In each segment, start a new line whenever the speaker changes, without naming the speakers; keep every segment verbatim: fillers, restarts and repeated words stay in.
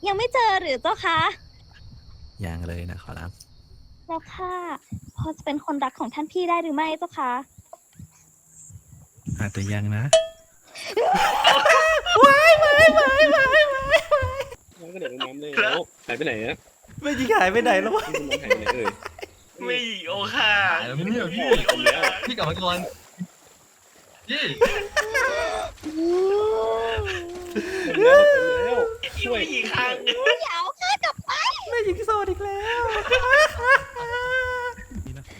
ยังไม่เจอหรือเจ้าคะ
ยังเลยนะขอรับ
เจ้าค่ะพอจะเป็นคนรักของท่านพี่ได้หรือไม่เจ้าคะ
อาจจะยังนะ
น้องก็เด็กลงน้ำเลยแล้วหายไปไหนอะ
ไม่ยิงหายไปไหนแล้ววะ
น้องหายไปไหนเอ่ย
ไม่โอค่ะ
หายแล้วไม่เนี่ยพี่
โอค่ะ
พี่กลับมาก่อนพี่
แล้วแล้วช่วย
อีกครั้ง
อย่าเอาข้ากลับไป
ไม่ยิงโซดอีกแล้วนี่นะ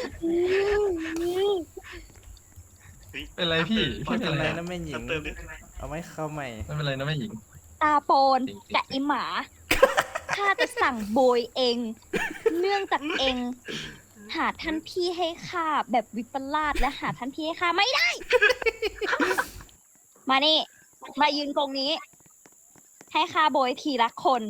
ขอรับ
เป็นไรพี่พี่
ไม่
เป็
เป็น น
ไร
ไร
นะ
นะแม่หญิง
เติมดิ
เอาไว้เข้าใหม่
ไม่เป็นไรนะแม่หญิง
ตาโปนกับไอหมา ข้าจะสั่งโบยเอง เนื่องจากเอง หาท่านพี่ให้ข้าแบบวิปลาสและหาท่านพี่ให้ข้าไม่ได้ มานี่ มายืนตรงนี้ ให้ข้าโบยทีละคน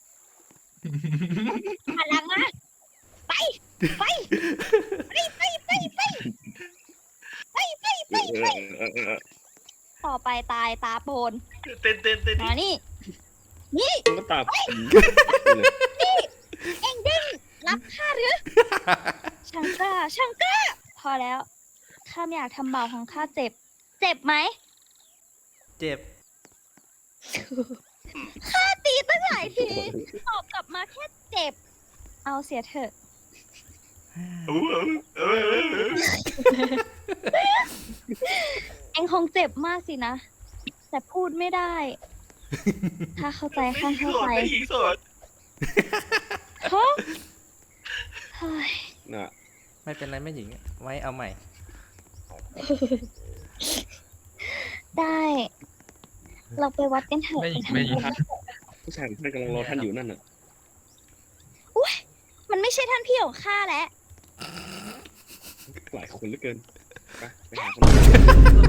หันหลังมาไป ไป ไปไปไปไปไปไปไป
เอ
ไป
อเออเออ
ต่อไปตายตาโปน
เต้นเต้นเต้น
มานี่ นี่
ก็ตาผี
เอ็งดิ้นรับข้าหรือ ช่างกล้าช่างกล้า พอแล้ว ข้าไม่อยากทำเบาของข้าเจ็บ เจ็บไหม
เจ็บ
ข้าตีตั้งหลายที ตอบกลับมาแค่เจ็บ เอาเสียเถอะ เอ็งคงเจ็บมากสินะ แต่พูดไม่ได้ ถ้าเข้าใจข้าเข้าใจ
ไม่ยิงสด
ฮะเฮ้ย
น่ะ
ไม่เป็นไรแม่หญิง ไว้เอาใหม่
ได้ เราไปวัดกันเถอะ
ไม่
ไปทำ
ไม่
บุญ
ผู้ชายท่านกำลังรอท่านอยู่นั่นน่ะ
มันไม่ใช่ท่านพี่ของข้าแล้ว
หลายคนเหลือเกินไปไปหาคน